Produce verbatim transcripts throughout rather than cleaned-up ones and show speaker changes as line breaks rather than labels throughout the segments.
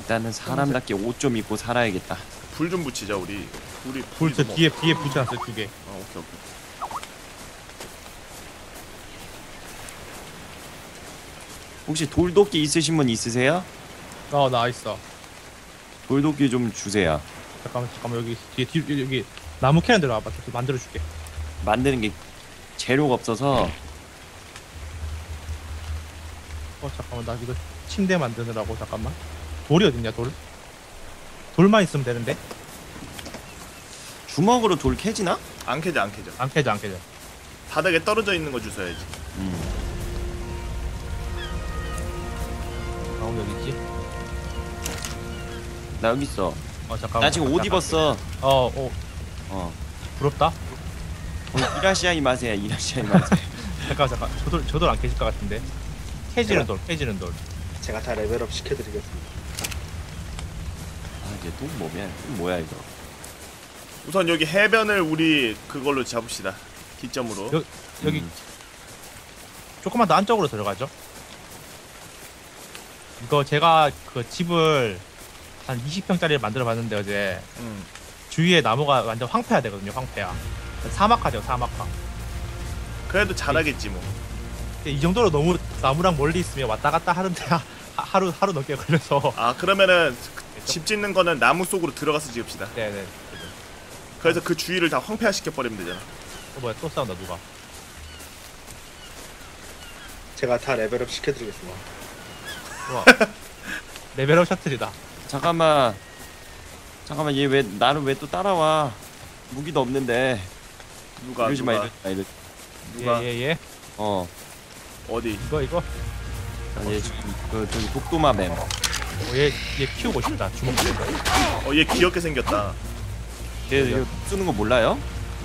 일단은 사람답게 옷 좀 입고 살아야겠다.
불 좀 붙이자 우리. 우리
불 저 뒤에 뒤에 붙여놨어요 두 개.
어 오케이 오케이.
혹시 돌도끼 있으신 분 있으세요?
어 나 있어.
돌도끼 좀 주세요.
잠깐만 잠깐만 여기 뒤에 뒤 여기, 여기 나무 캐는 데로 와봐. 저 만들어줄게.
만드는 게 재료가 없어서.
어 잠깐만 나 이거 침대 만드느라고 잠깐만. 돌이 어딨냐 돌? 돌만 있으면 되는데?
주먹으로 돌 캐지나?
안 캐져 안 캐져.
안 캐져 안 캐져.
바닥에 떨어져 있는 거 주워야지.
음.
아 여기 있지?
나 여기 있어.
어 잠깐만.
나 지금 옷 입었어.
어어 어,
어.
부럽다.
어, 이라시아이 마세야. 이라시아이 마세.
잠깐 잠깐 저돌 저돌 안 캐질 것 같은데. 캐지는 돌 캐지는 돌.
제가 다 레벨업 시켜드리겠습니다.
아 이제 또 뭐야? 또 뭐야 이거?
우선 여기 해변을 우리 그걸로 잡읍시다. 기점으로.
여, 여기
음.
조금만 더 안쪽으로 들어가죠. 이거 제가 그 집을 한 이십 평짜리를 만들어 봤는데 어제
음.
주위에 나무가 완전 황폐화 되거든요. 황폐화. 사막화죠 사막화.
그래도 잘하겠지 뭐.
이 정도로 너무 나무랑 멀리 있으면 왔다 갔다 하는데 하, 하루 하루 넘게 걸려서.
아 그러면은 집 짓는 거는 나무 속으로 들어가서 지읍시다.
네네.
그래서 그 주위를 다 황폐화 시켜버리면 되잖아.
어 뭐야 또 싸운다 누가?
제가 다 레벨업 시켜드리겠습니다.
우와. 레벨업 셔틀이다.
잠깐만. 잠깐만 얘 왜 나를 왜 또 따라와? 무기도 없는데.
누가
이러지 마
누가
이러지 마 이러지.
누가
예예 예, 예.
어.
어디?
이거 이거.
얘 지금 그 저기 독도마뱀.
어, 얘, 얘 키우고 싶다. 주먹 키우고.
어 얘 귀엽게 생겼다.
얘 이거 쓰는 거 몰라요?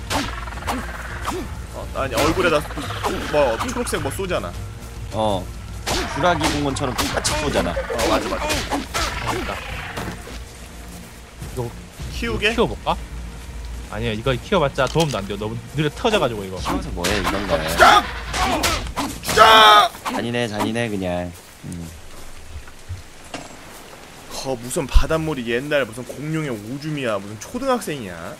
어, 아니 얼굴에다 뭐 초록색 뭐 쏘잖아.
어. 주라기 공원처럼 똑같이 쏘잖아.
어 맞아 맞아.
어, 있다. 이거
키우게?
키워볼까? 아니요 이거 키워봤자 도움도 안 돼요. 너무 느려 터져가지고 이거.
키워서 뭐해 이런 거야.
주자!
잔인해 잔인해 그냥. 음.
거 무슨 바닷물이 옛날 무슨 공룡의 오줌이야. 무슨 초등학생이야.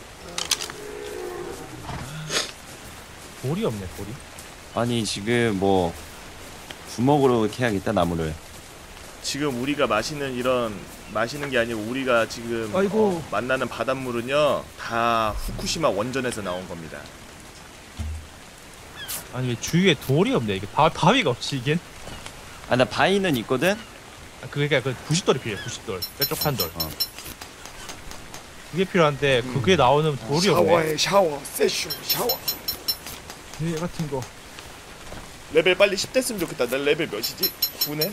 돌이 없네 돌이.
아니 지금 뭐 주먹으로 캐야겠다 나무를.
지금 우리가 마시는 이런 마시는 게 아니고 우리가 지금
아이고.
어, 만나는 바닷물은요 다 후쿠시마 원전에서 나온 겁니다.
아니 왜 주위에 돌이 없네 이게. 바, 바위가 없지 이게.
아 나 바위는 있거든.
아, 그게 그 부싯돌이 필요해. 부싯돌 뾰족한 돌.
어.
그게 필요한데
음.
그게 나오는 돌이 없네.
샤워해 샤워 세슈 샤워.
얘 같은 거.
레벨 빨리 십 됐으면 좋겠다. 내 레벨 몇이지? 구네?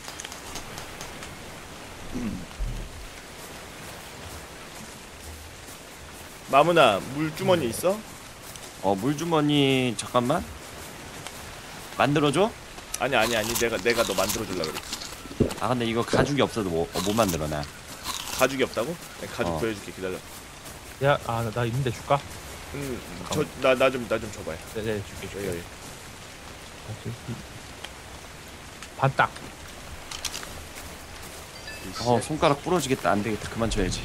마무나 물주머니 있어?
어 물주머니 잠깐만. 만들어줘?
아니 아니 아니 내가 내가 너 만들어줄라 그래.
아 근데 이거 가죽이 없어도 뭐, 어, 못 만들어 나.
가죽이 없다고? 내가 가죽
어.
보여줄게 기다려.
야, 아, 나, 나 있는데 줄까?
음저나 나 좀 나 좀 줘봐요.
네, 네, 줄게, 줄게.
여기 여기.
반딱.
어 손가락 부러지겠다. 안 되겠다. 그만 쳐야지.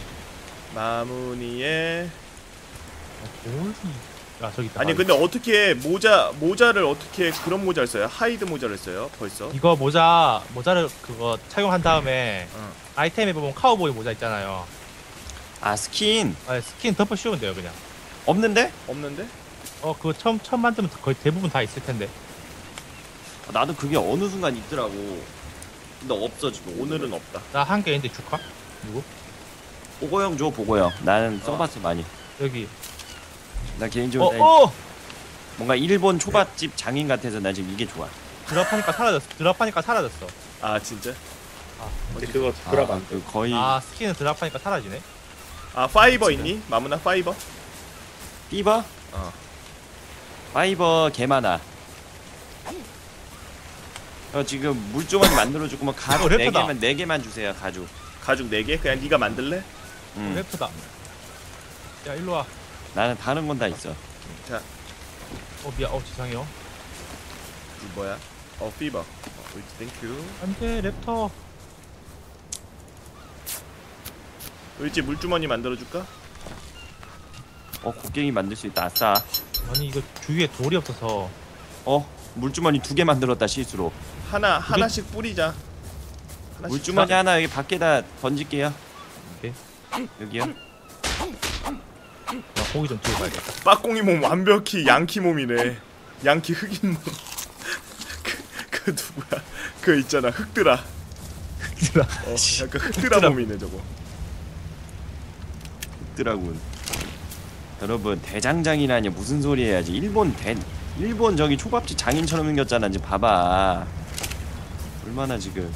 마무니에
돌이. 아, 저기 있다.
아니
아,
근데 어떻게 모자 모자를 어떻게 그런 모자를 써요? 하이드 모자를 써요? 벌써?
이거 모자, 모자를 그거 착용한 다음에
어.
아이템에 보면 카우보이 모자 있잖아요.
아 스킨
아, 스킨 덮어 씌우면 돼요, 그냥.
없는데?
없는데?
어, 그거 처음, 처음 만들면 거의 대부분 다 있을 텐데.
아, 나도 그게 어느 순간 있더라고. 근데 없어 지금.
오늘은 없다.
나 한 개 있는데 줄까? 누구?
보고형 줘 보고형. 나는 써봤어 많이.
여기.
나
어,
개인적으로 나
어!
뭔가 일본 초밥집 장인 같아서 나 지금 이게 좋아.
드랍하니까 사라졌어. 드랍하니까 사라졌어.
아 진짜?
근데 그거 드랍
아,
안 돼.
그 거의
아, 스킨은 드랍하니까 사라지네.
아 파이버 있니? 마무나 파이버?
피버?
어.
파이버 개 많아. 어, 지금 물주머니 만들어주고 뭐 가죽
어,
네
래퍼다.
개만 네 개만 주세요 가죽.
가죽 네 개? 그냥 네가 만들래?
음.
래프다. 야, 일로 와.
나는 다른 건 다 있어.
자,
어, 미안. 어, 죄송해요.
이 뭐야? 어 피버. 어, 땡큐.
안 돼, 랩터.
을지 물주머니 만들어줄까?
어 곡괭이 만들 수 있다. 아싸.
아니 이거 주위에 돌이 없어서
어 물주머니 두 개 만들었다 실수로.
하나 하나씩 뿌리자. 하나씩
물주머니 하나 여기 밖에다 던질게요.
오케이.
여기요.
나 고기 좀 들고 가야겠다.
빠꽁이 몸 완벽히 양키 몸이네. 양키 흑인 몸. 그, 그 누구야? 그 있잖아 흑드라.
흑드라.
어, 약간 흑드라 몸이네 저거.
있더라군. 여러분 대장장이라니 무슨 소리 해야지. 일본 대 일본 저기 초밥집 장인처럼 생겼잖아. 이제 봐봐. 얼마나 지금.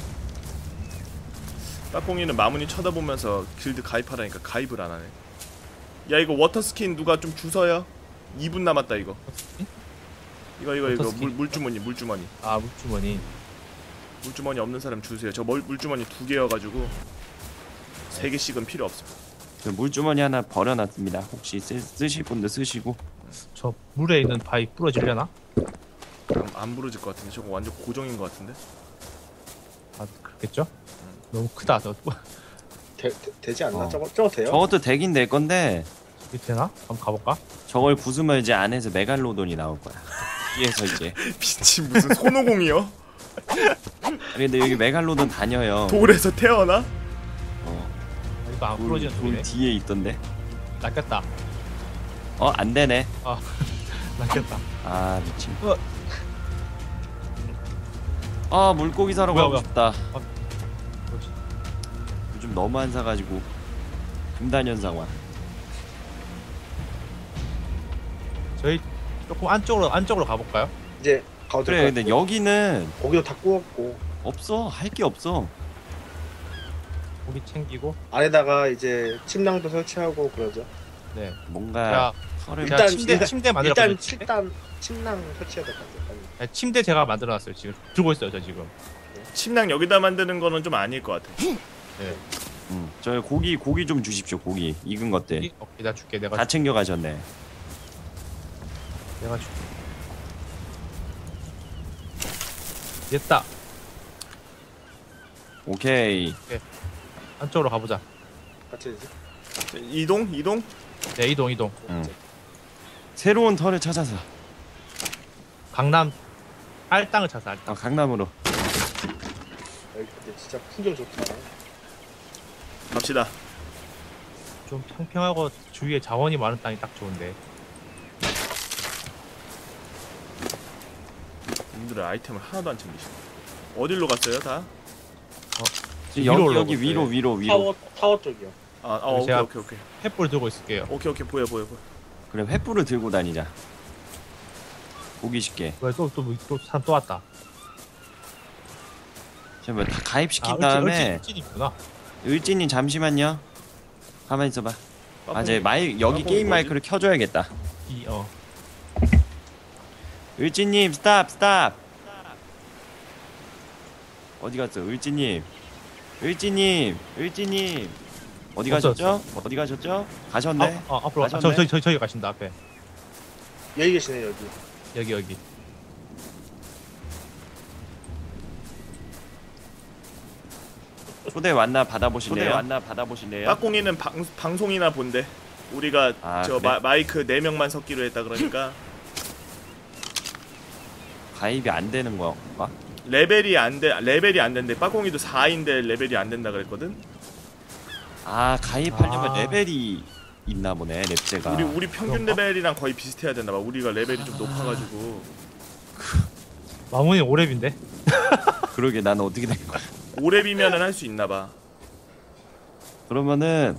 빠꽁이는 마문이 쳐다보면서 길드 가입하라니까 가입을 안 하네. 야 이거 워터 스킨 누가 좀 주서요? 이 분 남았다 이거. 이거 이거 이거
워터 스킨?
물 물주머니 물주머니.
아 물주머니.
물주머니 없는 사람 주세요. 저 멀, 물주머니 두 개여가지고 세 개씩은 필요 없어.
저 물주머니 하나 버려놨습니다. 혹시 쓰, 쓰실 분들 쓰시고.
저 물에 있는 바위 부러지려나?
안, 안 부러질 것 같은데 저거 완전 고정인 것 같은데.
아 그렇겠죠? 너무 크다. 저
되, 되, 되지 않나?
어.
저거 저거 돼요?
저것도 되긴 될 건데
이게 되나? 한번 가볼까?
저걸 부수면 이제 안에서 메갈로돈이 나올 거야. 뒤에서 이제.
미친 무슨 손오공이요?
근데 여기 메갈로돈 다녀요.
돌에서 태어나?
어,
아, 이거 안
돌,
부러지는
돌
돌이네.
뒤에 있던데.
낚였다.
어 안 되네.
낚였다.
아 미친.
어.
아 물고기 사러
뭐야,
가고
뭐야.
싶다.
뭐지?
요즘 너무 안 사가지고 금단현상 와.
저희 조금 안쪽으로 안쪽으로 가볼까요?
이제 가도
그래
될것
근데
같고.
여기는
고기도 다 구웠고
없어. 할 게 없어.
고기 챙기고.
안에다가 이제 침낭도 설치하고 그러죠.
네.
뭔가
자,
털을
제가
일단-
침대
일단-
침대 만들어
일단
놨어요.
칠단 침낭 설치해야 될 것 같아요. 빨리.
네, 침대 제가 만들어놨어요. 지금 들고 있어요. 저 지금.
침낭 여기다 만드는 거는 좀 아닐 것 같아.
네.
음, 저 고기 고기 좀 주십시오. 고기 익은 것들
고기? 오케이, 나 줄게. 내가
다 챙겨 가셨네.
내가 줄게. 됐다.
오케이.
안쪽으로 가보자.
같이 이제
자, 이동 이동.
네, 이동 이동.
응. 새로운 털을 찾아서
강남 알땅을 찾아. 알땅.
아, 강남으로.
여기 근데 진짜 풍경 좋다.
갑시다.
좀 평평하고 주위에 자원이 많은 땅이 딱 좋은데.
님들은 아이템을 하나도 안 챙기시네. 어디로 갔어요 다?
지금
위로
여기 여기
올라가고
위로
있어요.
위로 위로.
타워 타워 쪽이요.
아, 아 오케이
제가-
오케이 오케이
횃불 들고 있을게요.
오케이 오케이 보여 보여 보여.
그래 횃불을 들고 다니자. 고기 쉽게.
왜또또또 사람 또 왔다.
잠깐 다 가입시킨
아,
다음에
을지 있구나.
을지님 잠시만요. 가만 있어봐. 아, 제 마이 여기
빠뽕이
게임
뭐지?
마이크를 켜줘야겠다.
이 어.
을지님 스탑 스탑. 어디 갔어? 을지님. 을지님. 을지님. 어디
없어,
가셨죠? 어디 가셨죠? 가셨네.
아, 아 앞으로 아, 저
가셨네.
저기 저기 저기 가신다 앞에.
여기 계시네 여기.
여기 여기.
초대 왔나 받아보실래요? 초대 왔나 받아보실래요?
빠꽁이는 방, 방송이나 본대. 우리가
아,
저
그래?
마, 마이크 네 명만 섞기로 했다 그러니까
가입이 안 되는 건가?
레벨이 안 돼. 레벨이 안 된대. 빠꽁이도 사인데 레벨이 안 된다 그랬거든.
아 가입하려면
아.
레벨이 있나 보네 랩제가.
우리 우리 평균
그런가?
레벨이랑 거의 비슷해야 되나 봐. 우리가 레벨이 좀 높아가지고
마문이 오랩인데.
그러게 나는 어떻게 된 거야?
오 렙이면은 할 수 있나 봐.
그러면은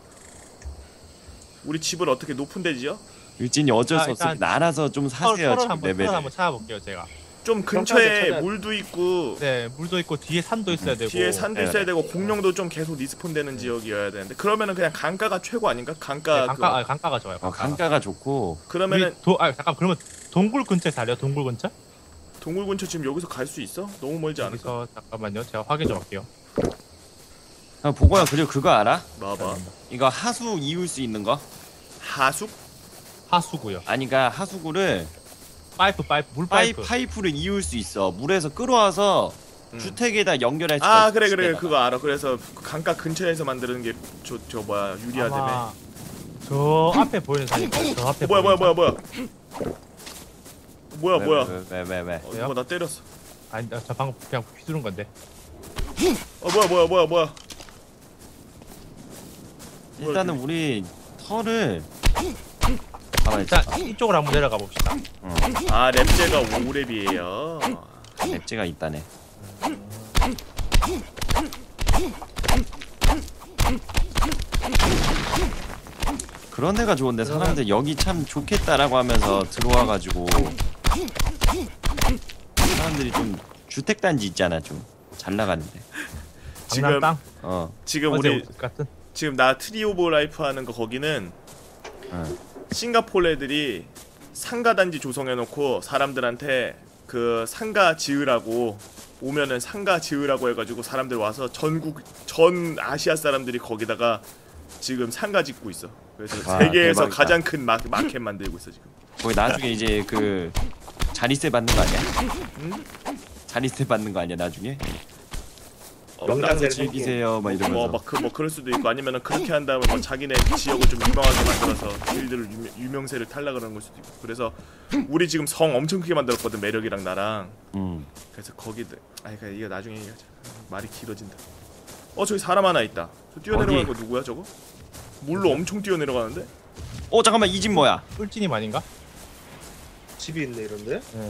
우리 집을 어떻게 높은 데지요?
유진이 어쩔
아,
수 없어.
일단
알아서 좀 사세요
털을
지금
한번
레벨.
털을 한번 찾아볼게요 제가.
좀
평탄하게
근처에
찾아야 돼.
물도 있고
네, 물도 있고 뒤에 산도 있어야 되고.
뒤에 산도
네,
있어야
네.
되고 공룡도 좀 계속 리스폰되는 지역이어야 되는데 그러면은 그냥 강가가 최고 아닌가? 강가
네, 강가
그-
아, 강가가 좋아요.
어,
강가가.
강가가 좋고.
그러면은
우리 도, 아 잠깐 그러면 동굴 근처에 살려. 동굴 근처?
동굴 근처 지금 여기서 갈 수 있어? 너무 멀지 않을까?
여기서 잠깐만요. 제가 확인 좀 할게요.
아, 보고야 그리고 그거 알아?
봐봐.
이거 하수 이을 수 있는 거?
하숙?
하수구요.
아니 그러니까 하수구를
파이프 파이프 물
파이,
파이프.
파이프를 이을 수 있어. 물에서 끌어와서
음.
주택에다 연결할 수가
아
있어,
그래 그래
집에다가.
그거 알아. 그래서 강가 근처에서 만드는 게 저 저 뭐야 유리하다며.
아마 저 앞에 보이는 산이고 저 앞에
어, 뭐야 뭐야
보이는
뭐야 뭐야 뭐야
왜,
뭐야.
왜, 왜, 왜, 왜.
어, 누가 나 때렸어.
산. 아니 저 방금 그냥 휘두른 건데.
어 뭐야 뭐야 뭐야 뭐야.
일단은 우리 털을 가만히 있어.
일단 이쪽으로 한번 내려가 봅시다.
어,
아 랩제가 오 랩이에요.
랩제가 있다네. 그런 데가 좋은데 사람들 여기 참 좋겠다라고 하면서 들어와가지고 사람들이 좀 주택단지 있잖아, 좀 잘 나가는데.
지금
강남 땅.
어,
지금
어제
우리
옷 같은.
지금 나 트리 오브 라이프 하는 거 거기는
어.
싱가포르 애들이 상가 단지 조성해놓고 사람들한테 그 상가 지으라고 오면은 상가 지으라고 해가지고 사람들 와서 전국 전 아시아 사람들이 거기다가 지금 상가 짓고 있어. 그래서
와,
세계에서
대박이다.
가장 큰 마, 마켓 만들고 있어 지금.
거기 나중에 이제 그 자리세 받는 거 아니야?
응?
자리세 받는 거 아니야 나중에?
어,
명당제를
즐기세요 막 이러면서.
뭐막 그 뭐 그럴 수도 있고 아니면은 그렇게 한 다음에 뭐 자기네 지역을 좀 유명하게 만들어서 길들을 유명, 유명세를 탈락을 하는 걸 수도 있고. 그래서 우리 지금 성 엄청 크게 만들었거든 매력이랑 나랑.
음.
그래서 거기들 아니 그러니까 이거 나중에 얘기하자. 말이 길어진다. 어 저기 사람 하나 있다. 저 뛰어내려가는 거 누구야 저거? 물로 엄청 뛰어내려가는데?
어 잠깐만 이 집 뭐야?
꿀찌님 아닌가?
집이 있네 이런데.
네.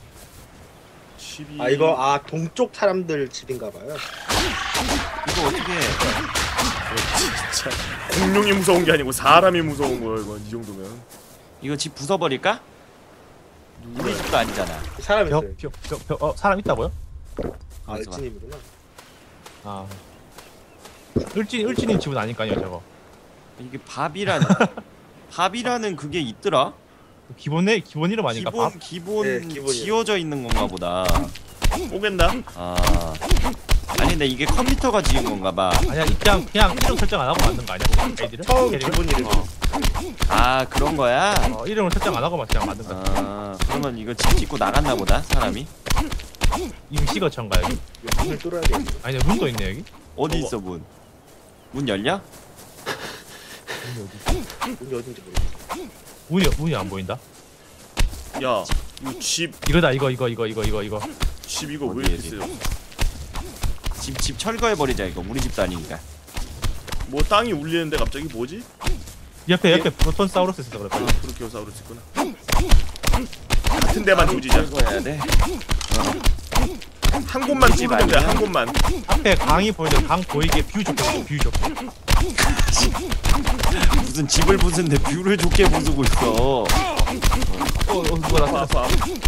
집이
아 이거 아 동쪽 사람들 집인가봐요.
이거 어떻게 해?
진짜 공룡이 무서운 게 아니고 사람이 무서운 거야 이거 이 정도면.
이거 집 부숴버릴까? 우리 집도 아니잖아.
사람 있어요.
벽, 벽, 벽, 벽, 어 사람 있다고요?
아
가만있어 봐.
알진님이구나.
아. 을진 을진님 집은 아닐까요 저거?
이게 밥이라는 밥이라는 그게 있더라?
기본 내 기본 이름 아닌가?
기본
밥?
기본
네, 기본이에요.
지어져 있는 건가 보다.
오겠나?
아 아니 근데 이게 컴퓨터가 지은 건가 봐.
아니야 그냥 그냥 이름 설정 안 하고 만든 거 아니야? 애들은?
처음
캐릭을?
기본 이름.
어. 아 그런 거야?
어, 이름을 설정 안 하고만 그냥 만든 거.
아 그러면 이거 집 짓고 나갔나 보다 사람이.
임시거처인가 여기?
문을 뚫어야 돼.
아니 문도 있네 여기.
어디
어머.
있어 문? 문 열려?
문이 어디?
문이 어딘지 모르겠어.
문이 문이 안 보인다.
야, 이 집,
이거다 이거 이거 이거 이거 이거 이거.
집 이거 왜
어디,
이렇게
어디?
세요?
집 집 철거해 버리자 이거 우리 집도 아니니까.
뭐 땅이 울리는데 갑자기 뭐지?
옆에 옆에 프로톤사우루스 있어서 그래.
아, 브루키오사우루스 있구나. 같은 데만 조지자.
철거해야 돼.
한 곳만
집
뚫으면 돼,
아니야?
한 곳만.
앞에 강이 보이는 강 보이게 뷰 좋게 보고, 뷰 좋게.
무슨 집을 부수는데 뷰를 좋게 부수고 있어.
어, 어 누가
아파,
나타났어?
아파.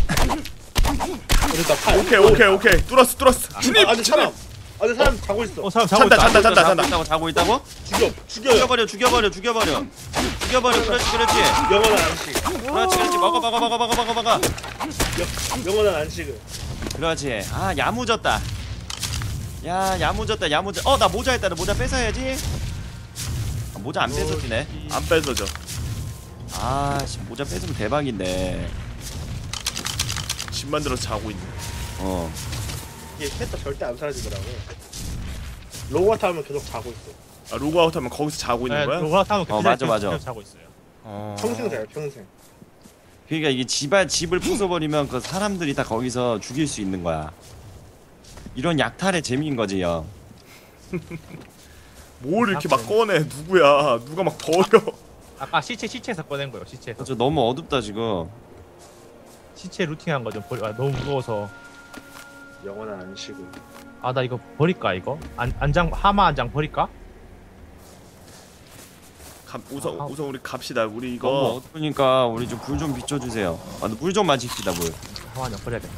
그러니까 팔.
오케이, 오케이, 오케이. 뚫었어, 뚫었어. 진입,
아, 근데
진입.
사람. 아, 근데 사람 자고 있어.
어 사람 자고
찬다,
있다.
찬다, 찬다,
자고
찬다.
있다고 자고 있다고?
죽여, 죽여요.
죽여버려 죽여버려 죽여버려 죽여버려 그렇지 그렇지
영원한 안식.
그렇지 그렇지 먹어 먹어 먹어 먹어 먹어 먹어
영, 영원한 안식을.
그렇지 아 야무졌다 야 야무졌다 야무졌 어나 모자 했다 나 모자 뺏어야지 아, 모자 안 뺏어지네
안 뺏어져.
아씨 모자 뺏으면 대박인데
집 만들어서 자고 있네.
어
이게 캐릭터 절대 안 사라지더라고. 로고아트 하면 계속 자고 있어.
아, 로그아웃 하면 거기서 자고 있는 거야?
로가 타면
어, 맞아, 맞아.
자고 있어요.
어.
평생 자요, 평생.
그러니까 이게 집안 집을 부숴버리면 그 사람들이 다 거기서 죽일 수 있는 거야 이런 약탈의 재미인 거지 형
뭘 이렇게 막 꺼내? 누구야? 누가 막 버려?
아까 시체 시체에서 꺼낸 거예요. 시체에서.
저 너무 어둡다 지금
시체 루팅한 거 좀 버리. 아, 너무 무거워서.
영원한 안식을.
아 나 이거 버릴까 이거? 안 안장 하마 안장 버릴까?
갑, 우선
아,
우선 우리 갑시다. 우리
너무
이거
어두우니까 우리 좀 불 좀 비춰주세요 아, 물 좀 마십시다 물
하마 안장 버려야겠다.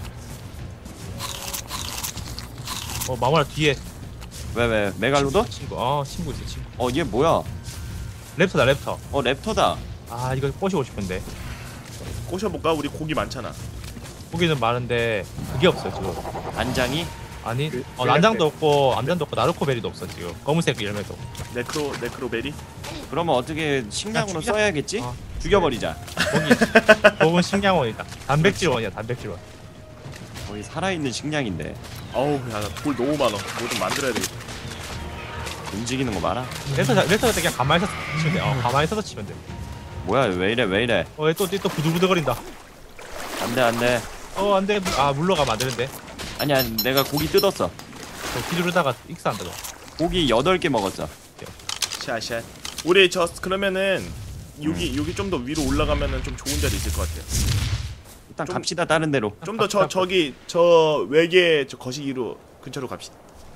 어 마무라 뒤에
왜 왜 메갈로돈?
친구. 어 친구 있어 친구.
어 얘 뭐야
랩터다 랩터.
어 랩터다
아 이거 꼬시고 싶은데.
꼬셔볼까? 우리 고기 많잖아.
고기는 많은데 그게 없어요 지금.
안장이?
아니
그-
어 난장도 없고 암장도 없고 나르코베리도 없어 지금. 검은색 열매도.
네크로 네크로베리?
그러면 어떻게 식량으로
야, 죽이자.
써야겠지?
어.
죽여버리자
거기 거긴 식량원이다. 단백질원이야 단백질원.
거의 살아있는 식량인데
어우 야돌 너무 많아. 뭐 좀 만들어야 되겠다.
움직이는 거 봐라.
랜턴 랜턴 때 그냥 가만히 서서 치면 돼. 어 가만히 서서 치면 돼.
뭐야 왜 이래 왜 이래.
어또또 부들부들거린다.
안돼 안돼.
어 안돼. 아 물러가면 안 되는데.
아니야 내가 고기 뜯었어.
저 휘두르다가 익사한다 너.
고기 여덟 개 먹었어.
샷샷. 우리 저 그러면은 여기 여기 좀 더 위로 올라가면은 좀 좋은 자리 있을 것 같아요.
일단
좀-
갑시다 다른 데로.
좀 더 저 저기 저 외계 저 거시기로 근처로 갑시다.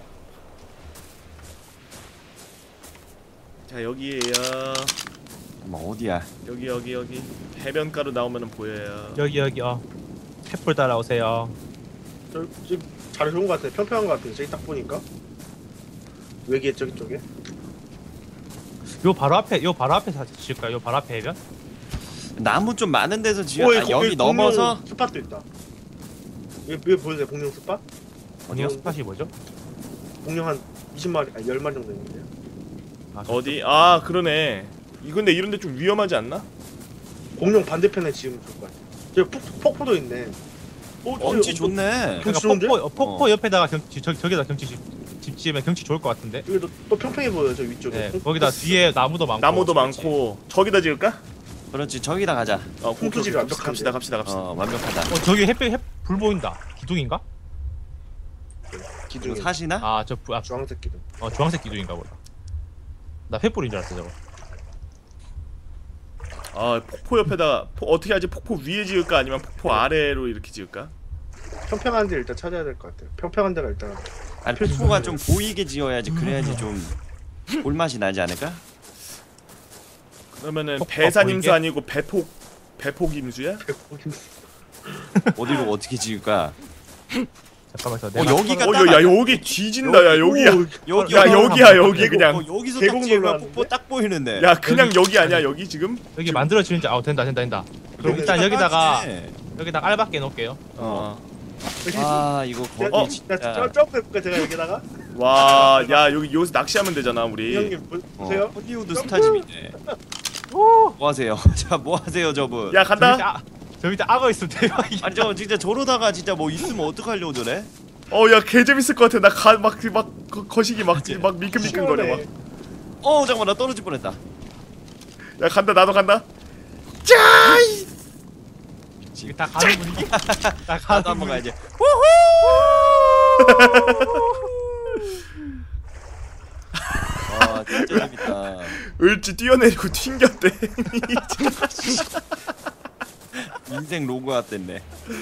자 여기에요.
뭐 어디야?
여기 여기 여기 해변가로 나오면은 보여요.
여기 여기 어 횃불 따라오세요.
저 지금 잘 좋은 것 같아. 평평한 것 같아. 저기 딱 보니까 외계 저기 쪽에.
요 바로 앞에 요 바로 앞에 사진 지을까요? 요 바로 앞에 해변?
나무 좀 많은 데서 지어.
오,
아,
거기
여기
공룡
넘어서
스팟도 있다. 여기, 여기 보이세요? 공룡 스팟?
어디요? 스팟이 뭐죠?
공룡 한 이십 마리, 아니 십 마리 정도 있는데요.
아, 저-
어디? 아 그러네. 이 근데 이런데 좀 위험하지 않나?
공룡 반대편에 지으면 좋을 것 같아. 저기 폭, 폭포도 있네. 어,
경치
저기
좋네.
그러니까
좋은데?
폭포 어, 폭포
어.
옆에다가 경치 저 저기다 경치 집, 집 지으면 경치 좋을 것 같은데.
여기도 또 평평해 보여요. 저 위쪽에.
네
콩-
거기다 뒤에 나무도 많고.
나무도
그렇지.
많고 저기다 지을까?
그렇지 저기다 가자.
어 오케이, 오케이.
콩투지가 완벽한데?
갑시다 갑시다 갑시다.
어 완벽하다.
어 저기 햇빛 햇불 보인다. 기둥인가?
기둥이
이거 사시나?
아저 아,
주황색 기둥.
어 주황색 기둥인가 보다. 나 횃불인 줄 알았어 저거.
아 폭포 옆에다 포, 어떻게 하지? 폭포 위에 지을까 아니면 폭포 아래로 이렇게 지을까?
평평한 데 일단 찾아야 될 것 같아요. 평평한 데가 일단
아니 폭포가 좀 보이게 지어야지. 그래야지 좀 볼맛이 나지 않을까?
그러면은
폭포가
배산임수
보이게?
아니고 배폭 배폭임수야?
어디로 어떻게 지을까?
잠깐만 저
어
내가
여기가
어,
딱
야, 야 여기 뒤진다. 야 여기야.
여기
야
여기
여기야
한번
여기
보고,
그냥.
어, 여기서 딱
계곡
지으면
올라가는데?
폭포 딱 보이는데.
야 그냥
여기-
여기 아니야 여기 지금?
여기 만들어 지는지 아 된다 된다 된다. 그럼 일단 여기다가 여기다가 알밖에 놓을게요.
어.
여기
아 이거
야,
거기
어?
진짜.
나 점프 해볼까 제가 여기다가?
와, 야 여기 여기서 낚시하면 되잖아 우리.
형님 보,
어,
보세요.
헐리우드
점프!
스타집이네. 뭐 하세요? 자, 뭐 하세요, 저분?
야
저 밑에,
간다.
아, 저 밑에 악어 있으면 대박이야.
아니 저 진짜 저러다가 진짜 뭐 있으면 어떡하려고 저래?
어, 야 개 재밌을 것 같아. 나 가 막 막 거시기 막
맞지?
막 미끌미끌거려 막.
어 잠깐만 나 떨어질 뻔했다.
야 간다 나도 간다.
이게 다 가는 분위기. 다
나도
가는
한번
분위기.
가야지. 와 진짜 재밌다.
을지 뛰어내리고 튕겼대.
인생 로고 같댔네.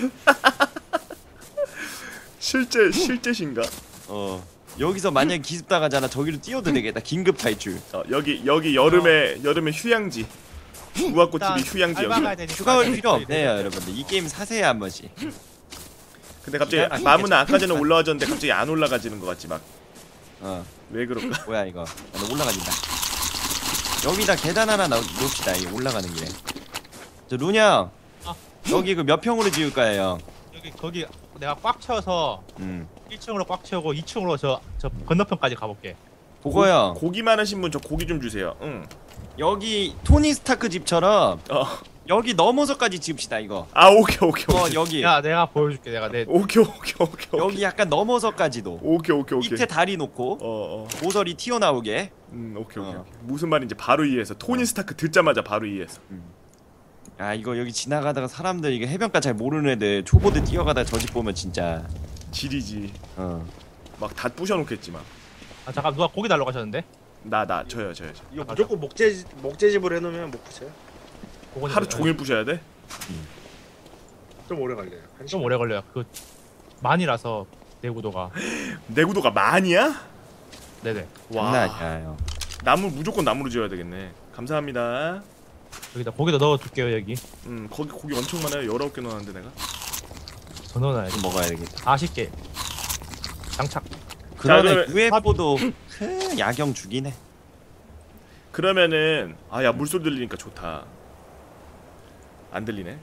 실제 실제신가?
어 여기서 만약 기습 당하잖아 저기로 뛰어도 되겠다. 긴급 탈출.
어, 여기 여기 여름에 여름에 휴양지. 우아꽃집이 휴양지
알바
여기.
가야 되니까
휴가 올
빨리
필요
빨리
없네요
빨리.
여러분들. 이 게임 사세요 한 번씩.
근데 갑자기
기가 막히게
마무는 아까 전에
참-
올라와줬는데 갑자기 안 올라가지는 것 같지 막.
어
왜 그럴까?
뭐야 이거. 야, 너 올라가진다. 여기다 계단 하나 넣- 놓읍시다. 이 올라가는 길에. 저 룬형.
아.
여기 그 몇 평으로 지을까요?
여기 거기 내가 꽉 채워서
음.
일 층으로 꽉 채우고 이 층으로 저 저 건너편까지 가볼게.
보고요.
고기 많으신 분 저 고기 좀 주세요. 응.
여기 토니 스타크 집처럼
어.
여기 넘어서까지 지읍시다 이거.
아 오케이 오케이
어
오케이.
여기
야 내가 보여줄게. 내가 내
오케이 오케이 오케이.
여기 약간 넘어서까지도
오케이 오케이 오케이.
밑에 다리 놓고
어 어.
모서리 튀어나오게.
음 오케이 오케이.
어.
오케이. 무슨 말인지 바로 이해해서 토니 스타크 듣자마자 바로 이해해서.
아 이거 여기 지나가다가 사람들 이게 해변가 잘 모르는 애들 초보들 뛰어가다가 저 집 보면 진짜
지리지.
어
막 다 부셔놓겠지 막.
아 잠깐 누가 고기 달러 가셨는데?
나 나 저요 저요 저.
이거 무조건 목재 목재집으로 해놓으면 못 붙여요.
그거는
하루 종일 부셔야 돼?
좀 오래 걸려요. 한
좀
시간.
오래 걸려요. 그 만이라서 내구도가.
내구도가 만이야?
네네.
장난 아니야 형.
나무 무조건 나무로 지어야 되겠네. 감사합니다.
여기다 고기도 넣어둘게요 여기.
음 거기 고기 엄청 많아요. 열아홉 개 넣었는데 내가.
더 넣어놔야지.
좀 먹어야 되겠다.
사십 개. 장착.
그러네
그러면-
유에프오도 크, 야경 죽이네.
그러면은 아야 물소리 들리니까 좋다. 안 들리네.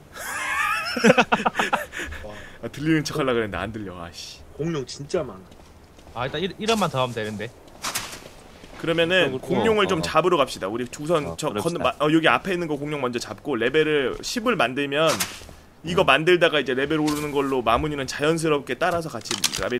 와,
아, 들리는 척 하려고 그랬는데 안 들려. 아씨.
공룡 진짜 많아.
아 일단 일, 일원만 더 하면 되는데.
그러면은
그러고,
공룡을
어,
좀
어.
잡으러 갑시다. 우리 우선
어,
저
그럽시다.
건너 마, 어, 여기 앞에 있는 거 공룡 먼저 잡고 레벨을 십을 만들면 이거 만들다가 이제 레벨 오르는 걸로 마무니는 자연스럽게 따라서 같이 라벨